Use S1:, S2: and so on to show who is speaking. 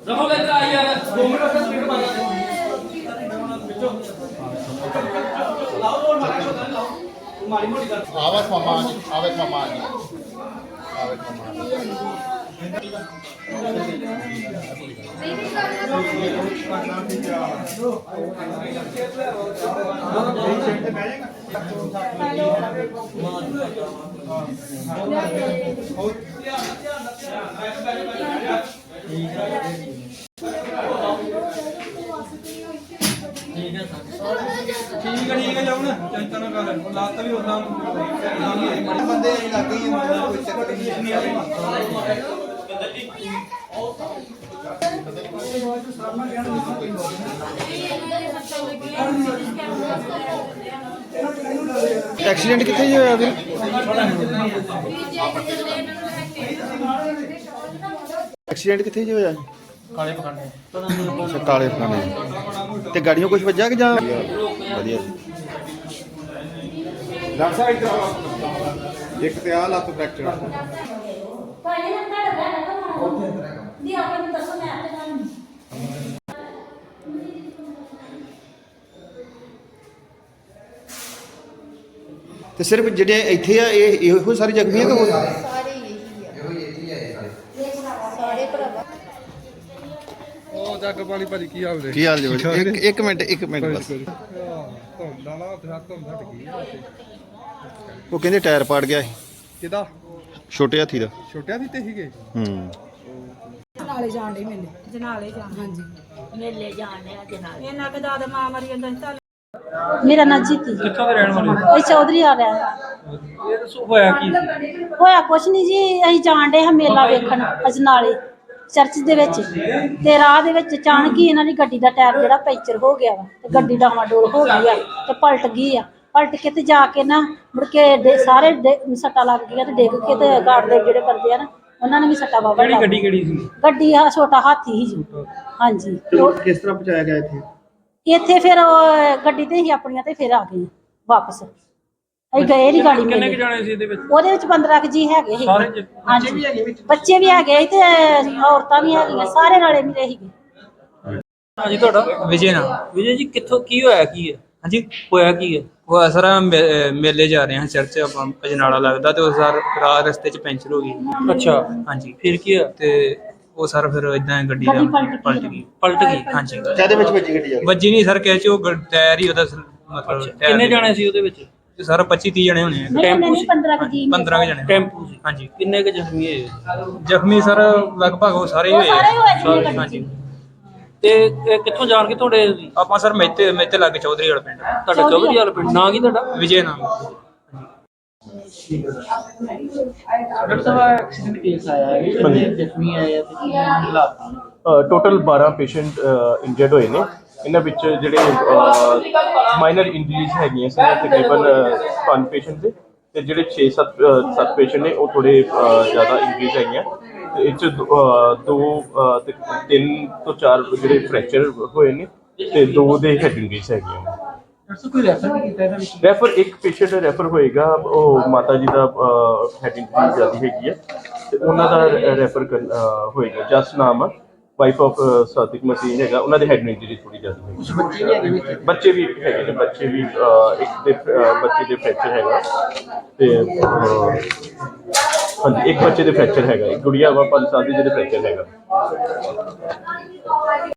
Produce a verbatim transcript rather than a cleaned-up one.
S1: रखो लेकर आई यार दो मिनट का स्पीड मार लाओ मारा को लाओ मारी मोटी कर
S2: आवाज मामा आवाज मामा आवाज मामा
S1: ठीक है ठीक है जाओ ना चिंता ना कर लात भी उदा
S2: बंदे लग गई मतलब कोई चक्कर नहीं एक्सीडेंट कितने ही होया फिर एक्सीडेंट कितने ही होया
S1: काले पकाने
S2: अच्छा काले पकाने ते गाड़ियों कुछ वजह कि जां ਵਧੀਆ ਡਾਕਟਰ ਸਾਹਿਬ ਇੱਧਰ ਆਓ ਇੱਕ ਤੇ ਆ ਲੱਤ ਫ੍ਰੈਕਚਰ
S3: ਦੀ ਆਪਾਂ ਨੂੰ ਦੱਸੋ ਮੈਂ ਆਪੇ ਤੁਹਾਨੂੰ
S2: ਤੇ ਸਿਰਫ ਜਿਹੜੇ ਇੱਥੇ ਆ ਇਹ ਇਹੋ ਸਾਰੀ ਜ਼ਖਮੀ ਆ ਕਿ ਹੋਰ
S4: ਸਾਰੇ ਇਹੀ ਆ ਇਹੋ ਇਹੀ ਆ ਸਾਰੇ ਭਰਾਵਾ
S5: ਉਹ ਜੱਗ ਪਾਣੀ ਭਾਜੀ ਕੀ ਹਾਲ ਜੀ
S2: ਕੀ ਹਾਲ ਜੀ ਇੱਕ ਇੱਕ ਮਿੰਟ ਇੱਕ ਮਿੰਟ ਬਸ
S5: ਧੁੰਦਾ ਨਾ ਉੱਥੇ ਧੁੰਦ ਹਟ ਗਈ
S2: ਉਹ ਕਹਿੰਦੇ ਟਾਇਰ ਪਾੜ ਗਿਆ ਸੀ
S5: ਕਿਦਾ
S2: ਛੋਟੇ ਹਾਥੀ ਦਾ
S5: ਛੋਟਿਆਂ ਦੀ ਤੇ ਸੀਗੇ
S2: ਹੂੰ
S6: ਜਨਾਲੇ ਜਾਣ ਦੇ ਮੇਲੇ ਜਨਾਲੇ ਜਾਣ ਹਾਂਜੀ
S3: ਮੇਲੇ ਜਾਣੇ ਆ ਜਨਾਲੇ
S6: ਇਹਨਾਂ ਕੇ ਦਾਦਾ ਮਾਂ ਮਰੀ ਜਾਂਦਾ ਸੀ ਤਾਂ
S3: ਮੇਰਾ ਨਾਂ ਜੀਤੀ
S1: ਕਿੱਥੋਂ ਦੇ ਰਹਿਣ ਵਾਲੇ
S3: ਇਹ ਚੌਧਰੀ ਆ ਰਿਹਾ
S1: ਇਹ ਦੱਸੋ ਹੋਇਆ ਕੀ
S3: ਹੋਇਆ ਕੁਛ ਨਹੀਂ ਜੀ ਅਸੀਂ ਜਾਣ ਡੇ ਹਾਂ ਮੇਲਾ ਵੇਖਣ ਅਜਨਾਲੇ ਚਰਚ ਦੇ ਵਿੱਚ ਤੇ ਰਾਹ ਦੇ ਵਿੱਚ ਅਚਾਨਕ ਹੀ ਇਹਨਾਂ ਦੀ ਗੱਡੀ ਦਾ ਟਾਇਰ ਜਿਹੜਾ ਪੈਂਚਰ ਹੋ ਗਿਆ ਵਾ ਤੇ ਗੱਡੀ ਡਾਵਾਂਡੋਲ ਹੋ ਗਈ ਆ ਤੇ ਪਲਟ ਗਈ ਆ ਪਲਟ ਕੇ ਤੇ ਜਾ ਕੇ ਨਾ ਮੁੜ ਕੇ ਡੇ- ਸਾਰੇ ਡੇ- ਸੱਟਾਂ ਲੱਗ ਗਈਆਂ ਤੇ ਡਿੱਗ ਕੇ ਤੇ ਗਾਰਡ ਦੇ ਜਿਹੜੇ ਬੰਦੇ ਆ ਨਾ ਉਹਨਾਂ ਨੇ ਵੀ ਸੱਟਾਂ ਵਾਵਾ
S1: ਕਿਹੜੀ ਗੱਡੀ ਕਿਹੜੀ ਸੀ
S3: ਗੱਡੀ ਆ ਛੋਟਾ ਹਾਥੀ ਸੀ ਜੀ ਹਾਂਜੀ ਉਹ
S2: ਕਿਸ ਤਰ੍ਹਾਂ ਪਹੁੰਚਾਇਆ ਗਿਆ ਇੱਥੇ
S3: ਇੱਥੇ ਫਿਰ ਉਹ ਗੱਡੀ ਤੇ ਹੀ ਆਪਣੀਆਂ ਤੇ ਫਿਰ ਆ ਗਏ ਵਾਪਸ ਅਸੀਂ ਗਏ ਨਹੀਂ ਗਾੜੀ
S1: ਕਿੰਨੇ
S3: ਮੇਲੇ
S1: ਕੁ ਜਾਣੇ ਸੀ ਇਹਦੇ ਵਿੱਚ
S3: ਉਹਦੇ ਵਿੱਚ ਪੰਦਰਾਂ ਕੁ ਜੀ ਹੈਗੇ ਸੀ
S1: ਸਾਰੇ ਜ-
S3: ਹਾਂਜੀ ਵੀ ਹੈਗੇ ਵਿੱਚ ਬੱਚੇ ਵੀ ਹੈਗੇ ਸੀ ਤੇ ਔਰਤਾਂ ਵੀ ਹੈਗੀਆਂ ਸਾਰੇ ਨਾਲੇ ਮਿਲੇ ਸੀਗੇ
S1: ਹਾਂਜੀ ਤੁਹਾਡਾ ਵਿਜੇ ਨਾਮ ਵਿਜੇ ਜੀ ਕਿੱਥੋਂ ਕੀ ਹੋਇਆ ਕੀ ਹੈ ਹਾਂਜੀ ਹੋਇਆ ਕੀ ਹੈ
S7: ਉਹ ਸਰ ਮੇਲੇ ਜਾ ਰਹੇ ਹਾਂ ਚਰਚ ਆਪਾਂ ਅਜਨਾਲਾ ਲੱਗਦਾ ਤੇ ਉਹ ਸਰ ਰਾਹ ਰਸਤੇ ਚ ਪੈਂਚਰ ਹੋ ਗਈ
S1: ਅੱਛਾ
S7: ਹਾਂਜੀ
S1: ਫਿਰ ਕੀ ਹੋਇਆ
S7: ਤੇ ਉਹ ਸਰ ਫਿਰ ਇਦਾਂ ਗੱਡੀ
S3: ਗੱਡੀ
S7: ਦਾ
S3: ਪਲਟ
S7: ਪਲਟ
S3: ਗਈ।
S7: ਗਈ
S1: ਪਲਟ ਗਈ
S7: ਹਾਂਜੀ
S2: ਕਾਹਦੇ ਵਿੱਚ ਵੱਜੀ ਗੱਡੀ ਆ
S7: ਵੱਜੀ ਨਹੀਂ ਸਰ ਕਹਿ ਚ ਉਹ ਗ- ਟਾਇਰ ਹੀ ਉਹਦਾ ਸ- ਮਤਲਬ ਟਾਇਰ
S1: ਕਿੰਨੇ
S7: ਦੇ-
S1: ਜਾਣੇ ਸੀ ਉਹਦੇ ਵਿੱਚ
S7: ਤੇ ਸਰ ਪੱਚੀ ਤੀਹ ਜਣੇ ਹੋਣੇ ਆ
S3: ਨਹੀਂ
S1: ਟੈਂਪੂ
S3: ਨਹੀਂ
S1: ਸੀ?
S3: ਪੰਦਰਾਂ ਕੁ ਜੀ
S7: ਪੰਦਰਾਂ ਕੁ ਜਣੇ
S1: ਟੈਂਪੂ ਸੀ
S7: ਹਾਂਜੀ
S1: ਕਿੰਨੇ ਕੁ ਜ਼ਖਮੀ ਹੋਏ
S7: ਜ਼ਖਮੀ ਸਰ ਲਗਭਗ ਉਹ ਸਾਰੇ ਹੀ
S3: ਉਹ
S7: ਹੋਏ
S3: ਸਾਰੇ ਹੋਏ ਸੀ
S7: ਸਾਰੇ,
S3: ਗੱਡੀ 'ਚ।
S7: ਹਾਂਜੀ
S1: ਤੇ ਇਹ ਕਿੱਥੋਂ ਜਾਣ ਕੇ ਤੁਹਾਡੇ
S7: ਆਪਾਂ ਸਰ ਮੇਤੇ ਮੇਤੇ ਲੱਗ ਚੌਧਰੀ ਵਾਲਾ ਪਿੰਡ
S1: ਤੁਹਾਡਾ ਚੌਧਰੀ ਵਾਲਾ ਪਿੰਡ ਨਾਂ ਕੀ ਤੁਹਾਡਾ
S7: ਵਿਜੇ ਨਾਮ
S8: ਡਾਕਟਰ ਸਾਹਿਬ ਐਕਸੀਡੈਂਟ ਕੇਸ ਆਇਆ ਹੈ ਕਿੰਨੇ ਜ਼ਖਮੀ ਆਏ ਆ ਤੇ ਕੀ ਹਾਲਾਤ
S9: ਟੋਟਲ ਬਾਰਾਂ ਪੇਸ਼ੈਂਟ ਇੰਜਰਡ ਹੋਏ ਨੇ ਇਹਨਾਂ ਵਿੱਚ ਜਿਹੜੇ ਮਾਈਨਰ ਇੰਜਰੀਜ਼ ਹੈਗੀਆਂ ਸੀ ਤਕਰੀਬਨ ਪੰਜ ਪੇਸ਼ੈਂਟ ਦੇ ਤੇ ਜਿਹੜੇ ਛੇ ਸੱਤ ਸੱਤ ਪੇਸ਼ੈਂਟ ਨੇ ਉਹ ਥੋੜੇ ਜ਼ਿਆਦਾ ਇੰਜਰੀਜ਼ ਹੈਗੀਆਂ ਤੇ ਇਹ 'ਚ ਦੋ ਅਹ, ਦੋ ਅਹ, ਤੇ ਤਿੰਨ ਤੋਂ ਚਾਰ ਜਿਹੜੇ ਫ੍ਰੈਕਚਰ ਹੋਏ ਨੇ ਤੇ ਦੋ ਦੇ ਹੈਡ ਇੰਜਰੀਜ਼ ਹੈਗੀਆਂ ਨੇ
S8: ਡਾਕਟਰ ਸਾਹਿਬ ਕੋਈ ਰੈਫਰ ਵੀ ਕੀਤਾ ਇਹਦਾ ਵਿੱਚ
S9: ਰੈਫਰ ਇੱਕ ਪੇਸ਼ੈਂਟ ਰੈਫਰ ਹੋਏਗਾ ਉਹ ਮਾਤਾ ਜੀ ਦਾ ਹੈਡ ਇੰਜਰੀ ਜ਼ਿਆਦਾ ਹੈਗੀ ਹੈ ਤੇ ਉਹਨਾਂ ਦਾ ਰੈਫਰ ਹੋਏਗਾ ਜਸ ਨਾਮ ਵਾਈਫ ਆਫ ਸਾਦਿਕ ਮਸੀਹ ਹੈਗਾ ਉਹਨਾਂ ਦੇ ਹੈਡ ਇੰਜਰੀ ਥੋੜੀ ਜ਼ਿਆਦਾ ਹੈਗੀ
S8: ਕੁਝ ਬੱਚੇ ਵੀ ਹੈਗੇ ਵਿੱਚ
S9: ਬੱਚੇ ਵੀ ਹੈਗੇ ਨੇ ਬੱਚੇ ਵੀ ਅਹ, ਇੱਕ ਦੇ ਅਹ, ਬੱਚੇ ਦੇ ਫ੍ਰੈਕਚਰ ਹੈਗਾ ਤੇ ਅਹ, ਹਾਂਜੀ ਇੱਕ ਬੱਚੇ ਦੇ ਫ੍ਰੈਕਚਰ ਹੈਗਾ ਇੱਕ ਗੁੜੀਆ ਵਾ ਪੰਜ ਸਾਲ ਦੀ ਜਿਹਦੇ ਫ੍ਰੈਕਚਰ ਹੈਗਾ